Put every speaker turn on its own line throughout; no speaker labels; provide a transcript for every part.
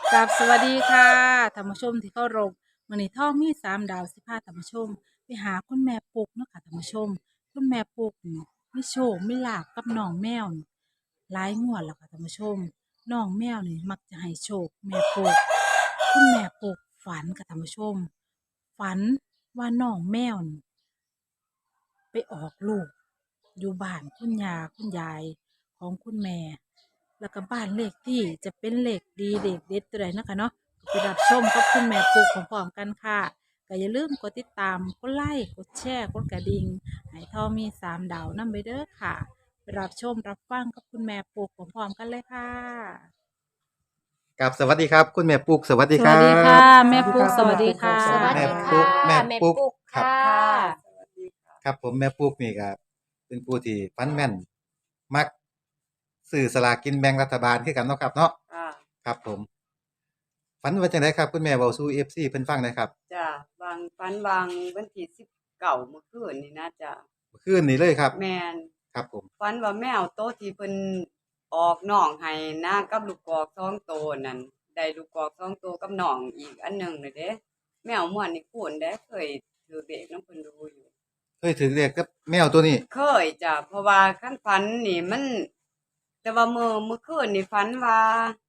กับสวัสดีค่ะท่านผู้ชมที่เคารพมื้อนี้ท่องมีสามดาวสิพาท่านผู้ชมไปหาคุณแม่ปุกเนาะค่ะท่านผู้ชมคุณแม่ปุกนี่มีโชคมีลาภกับน้องแมวนี่หลายงวดแล้วค่ะท่านผู้ชมน้องแมวนี่มักจะให้โชคแม่ปุกคุณแม่ปุกฝันค่ะท่านผู้ชมฝันว่าน้องแมวนี่ไปออกลูกอยู่บ้านคุณยาคุณยายของคุณแม่ แล้วก็บ้านเลขที่จะเป็นเลขดีเลขเด็ดตัวใดเนาะคะเนาะก็ไปรับชมกับคุณแม่ปลูกพร้อมๆกันค่ะก็อย่าลืมกดติดตามกดไลค์กดแชร์กดกระดิ่งให้ทอมีสามดาวนำไปเด้อค่ะไปรับชมรับฟังกับคุณแม่ปลูกพร้อมๆกันเลยค่ะ
กับสวัสดีครับคุณแม่ปุ๊กสวัสดี
ส
ครั
วัสดีค่ะ
บ
แม่ปลูกส
สวัสดี
วัสดีค่ะ
ครับ
สวัส
แม่
ดีค่ะ
ปุ๊กแม่
แม่
ปุ๊ก
ปุก
ครับ
ค่ะ
ครับผมแม่ปุ๊กนี่ครับเป็นผู้ที่ฟันแม่นมักซื้อสลากกินแบ่งรัฐบาลคือกันเนาะครับเนาะ
อ่า
ครับผมฝันว่าจังไดครับคุณแม่เว้าสู่ FC เพิ่นฟังหน่อยครับ
จ้ะวางฝันวางวันที่19เมื่อคืนนี่นะจ้ะ
เมื่อคืนนี้เลยครับ
แม่น
ครับผม
ฝันว่าแมวโตที่เพิ่นออกน้องให้นะกับลูกกอก2โตนั่นได้ลูกกอก2โตกับน้องอีกอันหนึ่งน่ะเด้แมวม่วนนี่คูณเด้เคยถือเด็กนำเพิ่นดูอยู่
เคยถือเลขกับแมวตัวนี้
เคยจ้ะเพราะว่าคันฝันนี่มันแต่ว่าเมื่อคืนนี่ฝันว่า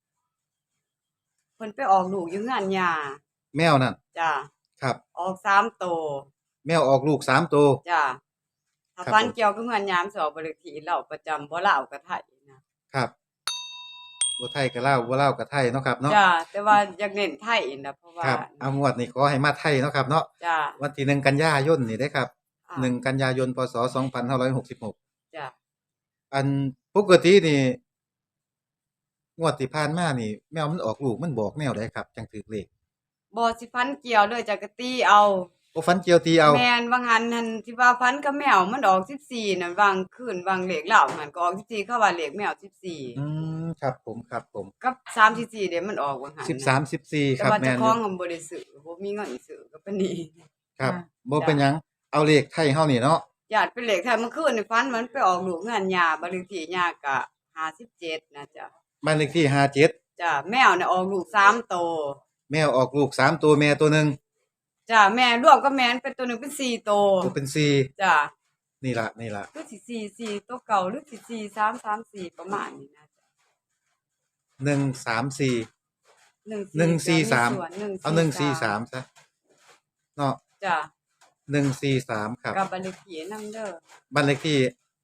เพิ่นไปออกลูกอยู่เฮือนย่า
แมวนั่น
จ้ะ
ครับ
ออก3โต
แมวออกลูก3ตัว
จ้ะถ้า
ครับผม
ฝันเกี่ยวกับเรือนยามสิออกบ้านเลขที่เลาประจำบ่ลาวก็ไทยนะครับ
บ่ไทยก็ลาวบ่ลาวก็ไทยเนาะครับเนาะ
จ้ะแต่ว่าอยากเน้นไทยนะเพราะ
ค
ว่า
รับเอางวดนี้ขอให้มาไทยเนาะครับเนาะ
จ้ะ
วันที่1กันยายนนี่เด้ครับ
อา
1กันยายนพศ2566
จ้ะ
อันปกตินี่งวดที่ผ่านมานี่แมวมันออกลูกมันบอกแนวใดครับจังถูกเลข
บ่สิฝันเกี่ยวเลยจ้ะก็ตีเอา
โอ้ฟันเจียวตีเอา
แม่นบางหันหันที่ว่าฝันกับแมวมันออก14นั่นวางคืนวางเลขลาวหันก็ออก14เขาว่าเลขแมว14
อืครับผมครับผม
กับ3 14เด้มันออกบางหันน่ะ
13 14
แต่
ครับ
ว่าเจ้าของ
แม่นอยู่
ก็บ่ได้ซื้อบ่มีเงินซื้อก็ปานนี้
ครับ
ค่ะ
บ่เป็นหยั
จ้ะ
งเอาเลขไทยเฮานี่เนาะ
ญาติเป็นเลขไทยเมื่อคืนนี่ฝันว่ามันไปออกลูกเรือนย่าบ้านเลขที่ย่าก็57นะจ้ะ
บ้านเลขที่57
จ้ะแมวน่ะออกลูก3โตว
แมวออกลูก3ตัวแม่ตัวหนึ่ง
จ้ะแม่รวมกับแม่มันเป็นตัวหนึ่งเป็น4โตว
โอ้เป็น4
จ้ะ
นี่ล่ะนี่ล่ะ
คือสิ4 4ตัวเก่าหรือสิ4 3 3 4ประมาณนี้นะจ้ะ
134
14จ้ะมีส่วน
143เอา143ซะเนาะ
จ้ะ
143ครับ
กับบ้านเลขที่นำเด้อ
บ้านเลขที่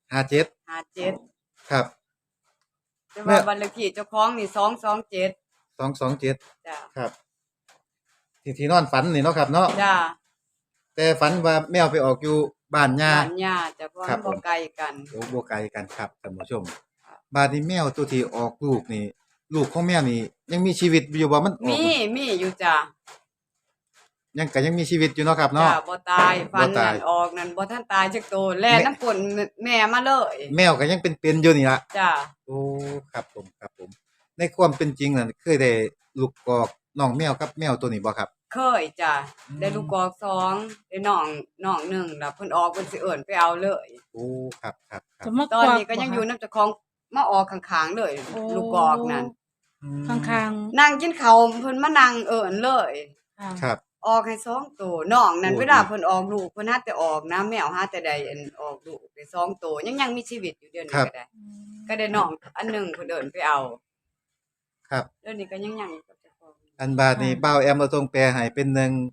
57
57
ครับ
แต่
แม่
ว่าบ้านเลขที่เจ้าของนี่227
227
จ้ะ
ครับที่นอนฝันนี่เนาะครับเนาะ
จ้ะ
แต่ฝันว่าแมวไปออกอยู่บ้านย่า
บ้านย่าจ้ะเพราะว่า
ครับ
มัน
ผม
บ่ไกลกัน
โอ้บ่ไกลกันครับท่านผู้ชม
ค่ะ
บาดนี้แมวตัวที่ออกลูกนี่ลูกของแมวนี่ยังมีชีวิตอยู่บ่มันออก
มีอยู่จ้ะ
ยังก็ยังมีชีวิตอยู่เนาะครับ
จ้ะ
เนาะ
บ่ตายฟั
บ่
น
ตาย
นั่นออกนั่นบ่ทันตายจักโตวแล่นน้ำกลนแม่มาเลย
แมวก็ยังเป็นอยู่นี่ล่ะ
จ้ะ
โอ้ครับผมครับผมในความเป็นจริงน่ะเคยได้ลูกกอกน้องแมวกับแมวตัวนี้บ่ครับ
เคยจ้ะ
อื
ได้ลูก
ม
กอก2ได้น้องหนึ่งแล้วเพิ่นออกเพิ่นสิเอิ้นไปเอาเลย
โอ้ครับ
จะมาก
ตอน
วัก
นี้ก็
บ่คะ
ยังอยู่นำเจ้าของมาออกข้างๆเลย
โอ้
ลูกกอกนั่น
อื
ข้าง
ม
นั่งกินข้าวเพิ่นมานั่งเอิ้นเลย
ๆค่ะ
ครับ
ออกให้2ตัวน้องนั่น
โอ้
เวลา
ดี
เพิ่นออกลูกเพิ่นหาแต่ออกนะแมวหาแต่ได้อันออกลูกได้2ตัวยังมีชีวิตอยู่เดี๋ยว
ครับ
นี้ก็ได้
อื
ก็ได้น้องอันหนึ่งเพิ่นเอิ้นไปเอา
ครับ
เดี๋ยวนี้ก็ยังอยู่กับเจ้าของ
อันบาดนี้
ค่ะ
บ่าวแอมเราตรงแปลให้เป็น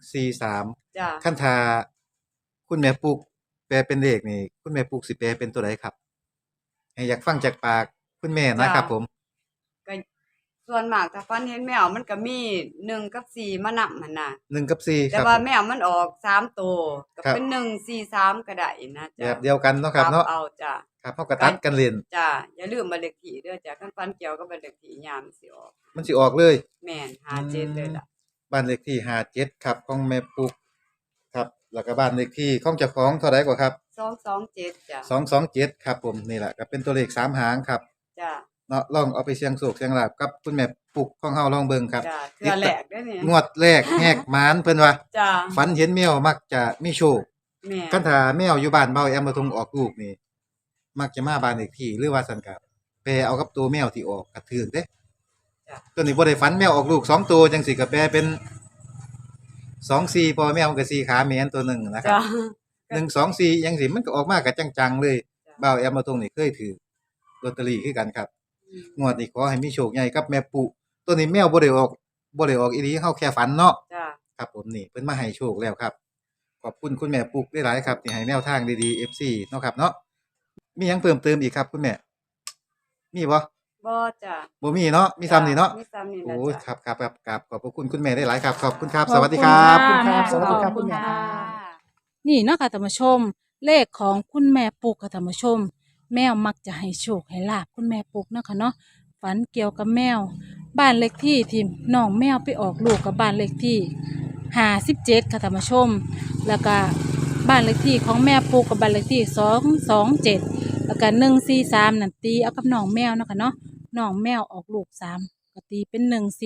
143
จ้ะ
คันถ้าคุณแม่ปลูกแปลเป็นเลขนี่คุณแม่ปลูกสิแปลเป็นตัวใดครับให้อยากฟังจากปากคุณแม่นะ
จ้ะ
ครับผม
ก็ส่วนมากถ้าฝันเห็นแมวมันก็มี1กับ4มานำหั่นน่ะ
1กับ4ค
แต่
รับผม
ว่าแมวมันออก3ตัวก็
ครับ
เป็น1 4 3ก็ได้นะ
แบ
จ๊ะ
บเดียวกันเนาะค
กลับ
รับเนาะ
เอาจ้ะ
ครับเฮาก็
ก็
ตัดกันเล่น
จ้ะอย่าลืมบ้านเลขที่เด้อจ้ะคันฝันเกี่ยวกับบ้านเลขที่ยามมันสิออก
มันสิออกเลย
แม่น
อื
57เลย
ม
ล่ะ
บ้านเลขที่57ครับของแม่ปลูกครับแล้วก็บ้านเลขที่ของเจ้าของเท่าใดกว่าครับ
227จ้ะ
227ครับผมนี่แหละก็เป็นตัวเลข3หางครับ
จ้ะ
เนาะลองเอาไปเสี่ยงโชคเสี่ยงลาภกับคุณแม่ปลูกของเฮาลองเบิ่งครับ
จ้ะเทื่
ติดตะ
อแรกเด้อนี่
งวดแรกแหกหมานเพิ่นว่า
จ้ะ
ฝันเห็นแมวมักจะมีโชค
แม่
คัน
น
ถ้าแมวอยู่บ้านเบาแอมระทงออกลูกนี่มักจะมาบ้านเลขที่หรือว่าซั่นก็แปลเอากับตัวแมวที่ออกก็ถูกเด้
จ้ะ
ตัวนี้บ่ได้ฝันแมวออกลูก2ตัวจังสิก็แปลเป็น24พอแมวมันก็4ขาแม่นตัวหนึงนะครั
จ้ะ
บ124จังสิมันก็ออกมาก็จังๆเลย
จ้ะ
บ่าวแอมมาตรงนี้เคยถือลอตเตอรี่คือกันครับ
อืม
งวดนี้ขอให้มีโชคใหญ่กับแม่ปุตัวนี้แมวบ่ได้ออกอีหลีเฮาแค่ฝันเนาะ
จ้ะ
ครับผมนี่เพิ่นมาให้โชคแล้วครับ ขอบคุณคุณแม่ปุกหลายๆครับที่ให้แนวทางดีๆ FC เนาะครับเนาะมีหยังเพิ่มเติมอีกครับคุณแม่มีบ่
บ่จ้ะ
บ่มีเนาะมีซ้ำนี่เนาะ
มีซ้ำนี่
โอ้
ล่ะ
ย
จ้ะ
ครับขอบพระคุณคุณแม่หลายๆครับขอบคุณครับ
ขอบ
ส
คุณ
วัสดีครับ
ค่ะ
สวัสดีครับ
ขอบ
คุ
คุณ ณ
แม่
ค่ะ นี่เนาะค่ะท่านผู้ชม เลขของคุณแม่ปุกค่ะท่านผู้ชม แมวมักจะให้โชคให้ลาบคุณแม่ปุกเนาะค่ะเนาะฝันเกี่ยวกับแมว บ้านเลขที่ที่น้องแมวไปออกลูกกับบ้านเลขที่57ค่ะท่านผู้ชม แล้วก็บ้านเลขที่ของแม่ปุกกับบ้านเลขที่227แล้วก็143นั่นตีเอากับน้องแมวเนาะค่ะเนาะน้องแมวออกลูก3ก็ตีเป็น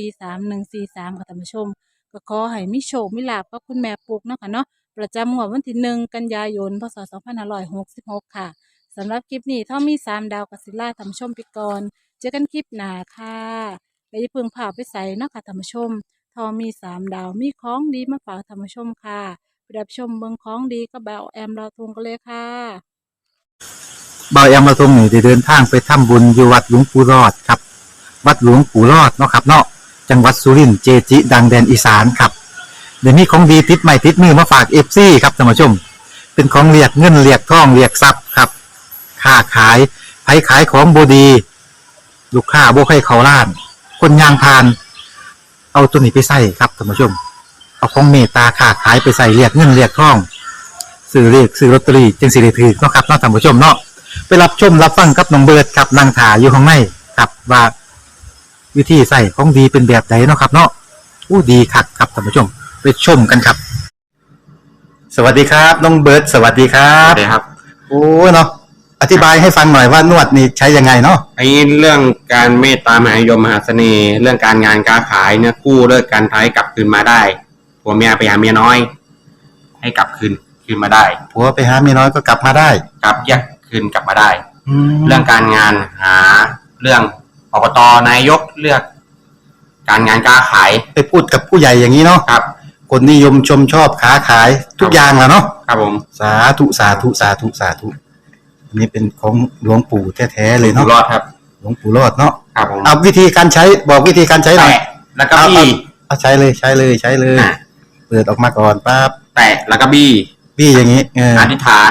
143ค่ะท่านผู้ชม ก็ขอให้มีโชคมีลาภกับคุณแม่ปุกเนาะค่ะเนาะประจำงวดวันที่1 กันยายนพศ2566ค่ะสำหรับคลิปนี้ถ้ามี3 ดาวกัสิล่าท่านผู้ชมไปก่อนเจอกันคลิปหน้าค่ะและอย่าเพิ่งพาไปใส่เนาะค่ะท่านผู้ชมถ้ามี3 ดาวมีของดีมาฝากท่านผู้ชมค่ะไปรับชมเบิ่งของดีกับแบลแอมเราทงกันเลยค่ะ
บายอำมาตรงนี่ได้เดินทางไปทำบุญอยู่วัดหลวงปู่รอดครับ วัดหลวงปู่รอดเนาะครับเนาะจังหวัดสุรินทร์เจจิ ดังแดนอีสานครับเดี๋ยวนี้ของดีติดใหม่ติดมือมาฝากเอฟซีครับท่านผู้ชม เป็นของเรียกเงินเรียกทองเรียกทรัพย์ครับค้าขายไผขายของบดี ลูกค้าบ่ให้เขาล้าน คนยางพาน เอาตัวนี้ไปใส่ครับท่านผู้ชม เอาของเมตตาค้าขายไปใส่เรียกเงินเรียกทองซื้อเรียกซื้อลอตเตอรี่จึงสิได้ถือเนาะครับเนาะท่านผู้ชมเนาะไปรับชมรับฟังกับน้องเบิร์ดครับนางถาอยู่ข้างในครับว่าวิธีใส่ของดีเป็นแบบไหนเนาะครับ เนาะอู้ดีคักครับท่านผู้ชม ไปชมกันครับ สวัสดีครับน้องเบิร์ดสวัสดีครั
ครับ บครับ
โอ้เนาะอธิบายให้ฟังหน่อยว่านวดนี่ใช้ยังไงเนาะ
ไอ้เรื่องการเมตตามหานิยมมหาเสน่ห์ เรื่องการงานการขายเนี่ยกู้เลิกการท้ายกลับคืนมาได้ผัวเมียไปหาเมียน้อย ให้กลับคืนมาได้
ผัวไปหาเมียน้อยก็กลับมาได้
กลับแยกคืนกลับมาได้
แล้
เรื่
ว
องการงานหาเรื่องอบตนายกเลือก การงานการขาย
ไปพูดกับผู้ใหญ่อย่างนี้เนาะ
ครับ
คนนิยมชมชอบค้าขายทุกอย่างแหละเนาะ
ครับผม
สาธุสาธุสาธุสาธุอันนี้เป็นของหลวงปู่แท้ๆเลย
อยู่
เนาะ
รอดครับ
หลวงปู่รอดเนาะ
ครับผม
เอาวิธีการใช้บอกวิธีการใช้หน่อย
แตะแล้วก็บี้
เอาใช้เลยใช้เลยใช้เลย
อ่ะ
เปิดออกมาก่อนปั๊บ
แตะแล้วก็บี้
พี่อย่างนี้เออ
อธิษฐาน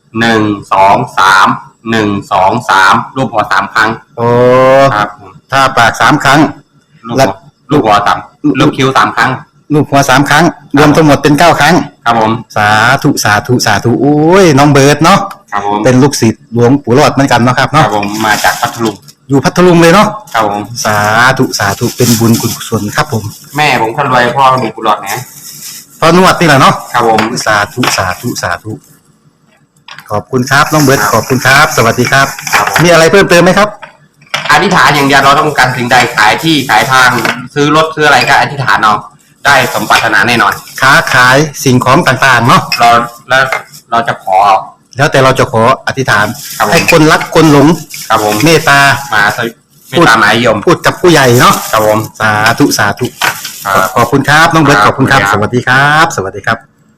1 2 3 1 2 3รูปหัว3ครั้ง
โอ้
ครับผม
ถ้าปาก3 ครั้ง
ลูก
แล้
หั
ว
วลูกหัวต่ำลูกคิ้ว3 ครั้ง
ลูกหัว3 ครั้ง รวมทั้งหมดเป็น9 ครั้ง
ครับผม
สาธุสาธุสาธุโอ้ยน้องเบิร์ดเนาะ
ครับผม
เป็นลูกศิษย์หลวงปู่รอดเหมือนกันเนาะครับ
ครั
เนาะ
บผมมาจากพัทลุง
อยู่พัทลุงเลยเนาะ
ครับผม
สาธุสาธุเป็นบุญกุศลครับผม
แม่ผมคนรวยพ่อมีกุหลาบนะ
พอนวดนี่แหละเนาะ
ครับผม
สาธุสาธุสาธุขอบคุณครับน้องเบิร์ดขอบคุณครับ สวัสดีครับ
ครับผม
มีอะไรเพิ่มเติมไหมครับ
อธิษฐานอย่างเดียวเราต้องการสิ่งใดขายที่ขายทางซื้อรถซื้ออะไรก็อธิษฐานเอาได้สมปรารถนาแน่นอน
ค้าขายสิ่งของต่างๆเนาะ
เราจะขอ
แล้วแต่เราจะขออธิษฐาน
ครับผม
ให้คนรักคนหลง
ครับผม
เมตตา
มาไม่ตามหมายยม
พูดกับผู้ใหญ่เนาะ
ครับผม
สาธุสาธุ
ครับ
ขอบคุณครับน้องเบิร์ต
ค
ข
รับ
อบคุณครับ
ขอบ
ส
คุณครับ
วัสดีครับ สวัสดีครับ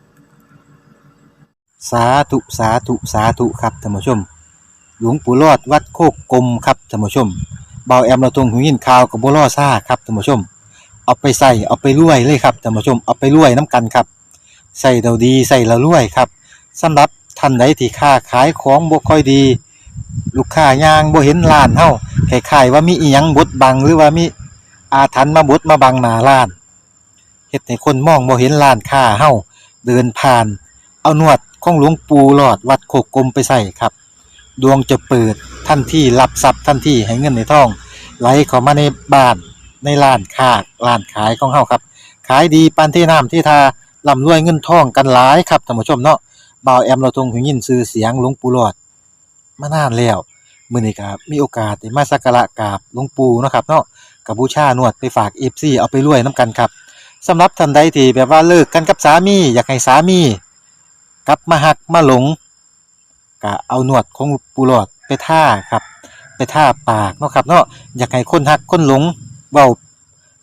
สาธุสาธุสาธุครับท่านผู้ชม หลวงปู่รอดวัดโคกกลมครับท่านผู้ชมเบาแอมเราตรงหูยินข่าวกับบัวล่อซ่าครับท่านผู้ชม เอาไปใส่เอาไปรวยเลยครับท่านผู้ชมเอาไปรวยน้ำกันครับใส่เราดีใส่เรารวยครับสำหรับท่านใดที่ค้าขายของบ่ค่อยดี ลูกค้ายางบ่เห็นร้านเฮาคล้ายๆว่ามีอีหยังบดบังหรือว่ามีอาถรรพ์มาบดมาบังหน้าร้านเฮ็ดให้คนมองบ่เห็นร้านค้าเฮาเดินผ่าน เอานวดของหลวงปู่หลอดวัดโคกกลมไปใส่ครับ ดวงจะเปิดทันทีรับทรัพย์ทันทีให้เงินในท้องไหลเข้ามาในบ้านในร้านค้าร้านขายของเฮาครับ ขายดีปานที่น้ำที่ทาร่ำรวยเงินทองกันหลายครับท่านผู้ชมเนาะบ่าวแอมเราทรงหูยินชื่อเสียงหลวงปู่หลอดมานานแล้วมื้อนี้ก็มีโอกาสได้มาสักการะกราบหลวงปู่เนาะครับเนาะก็บูชานวดไปฝาก FC เอาไปรวยนํกันครับสำหรับท่านใดที่แบบว่าเลิกกันกับสามีอยากให้สามีกลับมาหักมาหลงก็เอานวดของปู่หลอดไปท่าครับไปท่าปากเนาะครับเนาะอยากให้คนหักคนหลงเว้า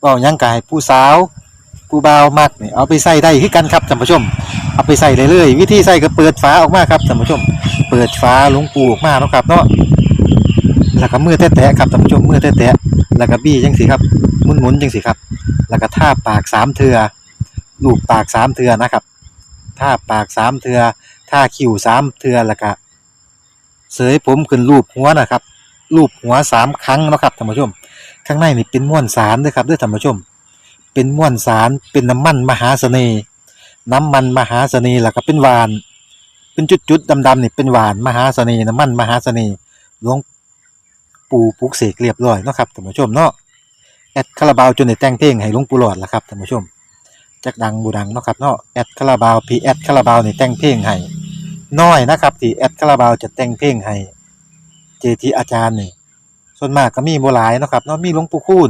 ว้าหยังก็ให้ผู้สาวผู้บ่าวมักนี่เอาไปใส่ได้คือกันครับท่านผู้ชมเอาไปใส่ได้เลยวิธีใส่ก็เปิดฝาออกมาครับท่านผู้ชมเปิดฝาหลวงปูออกมาเนาะครับเนาะแล้วก็มือแตะๆครับท่านผู้ชมมือแตะๆแล้วก็บี้จังซี่ครับหมุนๆจังซี่ครับแล้วก็ทาปาก3เทื่อลูบปาก3เทื่อนะครับทาปาก3เทื่อทาคิ้ว3เทื่อแล้วก็เสยผมขึ้นรูปหัวนะครับรูปหัว3ครั้งเนาะครับท่านผู้ชมข้างในนี่เป็นม้วนสารเด้อครับเด้อท่านผู้ชมเป็นม้วนสารเป็นน้ำมันมหาเสน่ห์น้ำมันมหาเสน่ห์แล้วก็เป็นหวานเป็นจุดๆดำๆนี่เป็นหวานมหาเสน่ห์น้ำมันมหาเสน่ห์หลวงปู่ปลุกเสกเรียบร้อยเนาะครับท่านผู้ชมเนาะแอดคาราบาวจนได้แต่งเพลงให้หลวงปู่หลอดล่ะครับท่านผู้ชมจักดังบ่ดังเนาะครับเนาะแอดคาราบาวพี่แอดคาราบาวนี่แต่งเพลงให้น้อยนะครับที่แอดคาราบาวจะแต่งเพลงให้เจทีอาจารย์นี่ส่วนมากก็มีบ่หลายเนาะครับเนาะมีหลวงปู่คูณ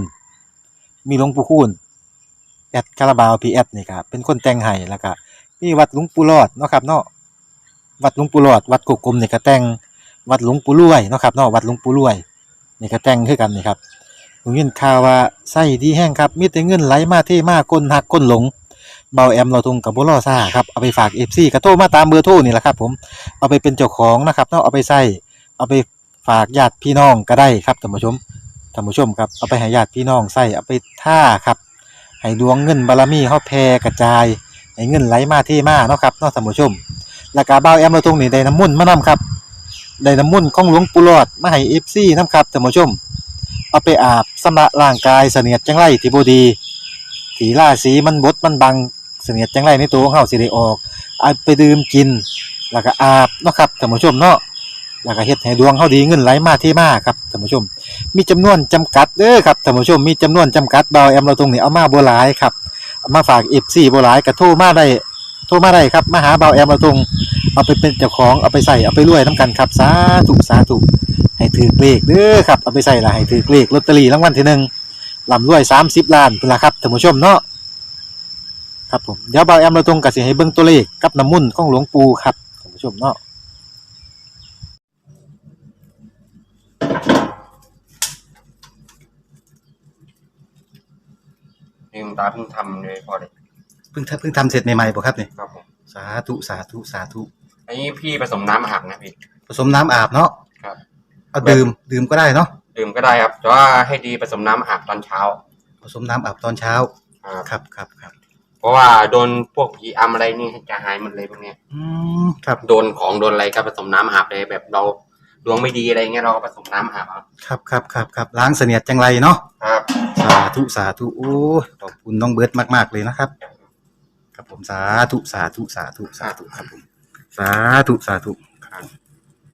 แอดคาราบาวพี่แอดนี่ครับเป็นคนแต่งให้แล้วก็มีวัดหลวงปู่หลอดเนาะครับเนาะวัดหลวงปู่หลอดวัดกกกลมนี่ก็แต่งวัดหลวงปู่รวยเนาะครับเนาะวัดหลวงปู่รวยนี่ก็แต่งคือกันนี่ครับผมยินข่าวว่าไส้ดีแห้งครับมีแต่เงินไหลมาเทมาคนหักคนหลงเบาแอมเราทงกับบ่รอซ่าครับเอาไปฝาก FC ก็โทรมาตามเบอร์โทรนี่แหละครับผมเอาไปเป็นเจ้าของนะครับเนาะเอาไปใส่เอาไปฝากญาติพี่น้องก็ได้ครับท่านผู้ชมครับเอาไปให้ญาติพี่น้องใส่เอาไปท่าครับให้ดวงเงินบารมีเฮาแผ่กระจายให้เงินไหลมาเทมาเนาะครับเนาะท่านผู้ชมแล้วก็เบาแอมเราทงนี่ได้น้ำมนต์มานํครับได้น้ำมนต์ของหลวงปู่หลอดมาให้ FC นํครับท่านผู้ชมเอาไปอาบชำระร่างกายเสนียดจังไรที่บ่ดีที่ราศีมันบดมันบังเสนียดจังไรในตัวของเฮาสิได้ออกเอาไปดื่มกินแล้วก็อาบเนาะครับท่านผู้ชมเนาะแล้วก็เฮ็ดให้ดวงเฮาดีเงินไหลมาเทมาครับท่านผู้ชมมีจำนวนจำกัดเด้อครับท่านผู้ชมมีจำนวนจำกัดเบาแอมเราตรงนี้เอามาบ่หลายครับเอามาฝาก FC บ่หลายก็โทรมาได้ครับมาหาเบาแอมเราตรงเอาไปเป็นเจ้าของเอาไปใส่เอาไปรวยนํกันครับสาธุให้ถือเลขเด้อครับเอาไปใส่ละให้ถือเลขลอตเตอรี่รางวัลที่1ร่ำรวย30ล้านพุ่นล่ะครับท่านผู้ชมเนาะครับผมเดี๋ยวเบาแอมเราตรงก็สิให้เบิ่งตัวเลขกับน้ำมนต์ของหลวงปู่ครับท่านผู้ชมเนาะ
นี่คุณตาเพิ่งทำเลยพอเลย
เพิ่งทำเสร็จใหม่ๆบ่ครับนี่
ครับผม
สาธุ
อันนี้พี่ผสมน้ำอาบนะพี่
ผสมน้ำอาบเนาะ
ครับ
เอาดื่มก็ได้เนาะ
ดื่มก็ได้ครับแต่ว่าให้ดีผสมน้ำอาบตอนเช้า
ผสมน้ำอาบตอนเช้า ครับ
เพราะว่าโดนพวกผีอำอะไรนี่จะหายหมดเลยพวกเนี้ย
ครับ
โดนของโดนอะไรก็ผสมน้ำอาบเลยแบบเราดวงไม่ดีอะไรเงี้ยเราก็ผสมน้ำอาบ
ครับล้างเสนียดจังไรเนาะ
ครับ
สาธุโอ้ยขอบคุณน้องเบิร์ดมากๆเลยนะครับครับผมสาธุครับผมสาธุครับ